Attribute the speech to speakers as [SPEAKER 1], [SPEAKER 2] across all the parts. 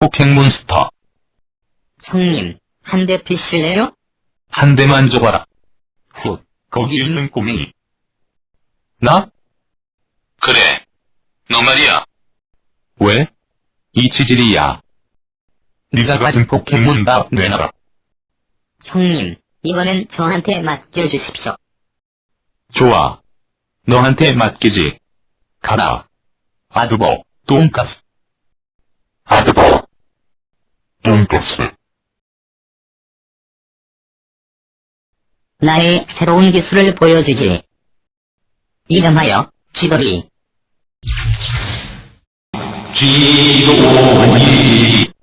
[SPEAKER 1] 포켓몬스터.
[SPEAKER 2] 형님, 한 대 피실래요?
[SPEAKER 1] 한 대만 줘봐라. 훗, 거기 있는 꼬맹이. 나?
[SPEAKER 3] 그래. 너 말이야.
[SPEAKER 1] 왜? 이 치질이야. 네가 가진 포켓몬 다 내놔라.
[SPEAKER 2] 형님, 이번엔 저한테 맡겨주십시오.
[SPEAKER 1] 좋아. 너한테 맡기지. 가라. 아드보, 돈가스. 아드보, 돈가스.
[SPEAKER 2] 나의 새로운 기술을 보여주지. 이름하여 쥐돌이.
[SPEAKER 1] 쥐돌이.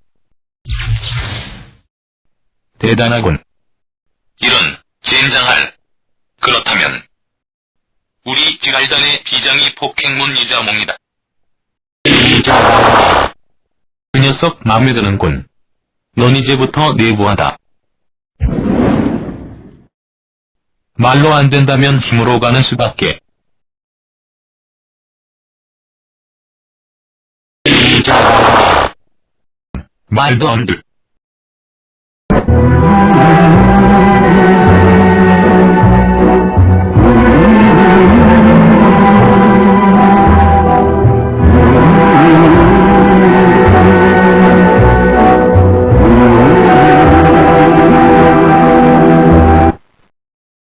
[SPEAKER 1] 대단하군.
[SPEAKER 3] 이런, 젠장할. 그렇다면 우리 지갈단의 비장이 포켓몬이자 몽이다.
[SPEAKER 1] 그 녀석 마음에 드는군. 넌 이제부터 내부하다. 말로 안 된다면 힘으로 가는 수밖에. 말도 안 돼.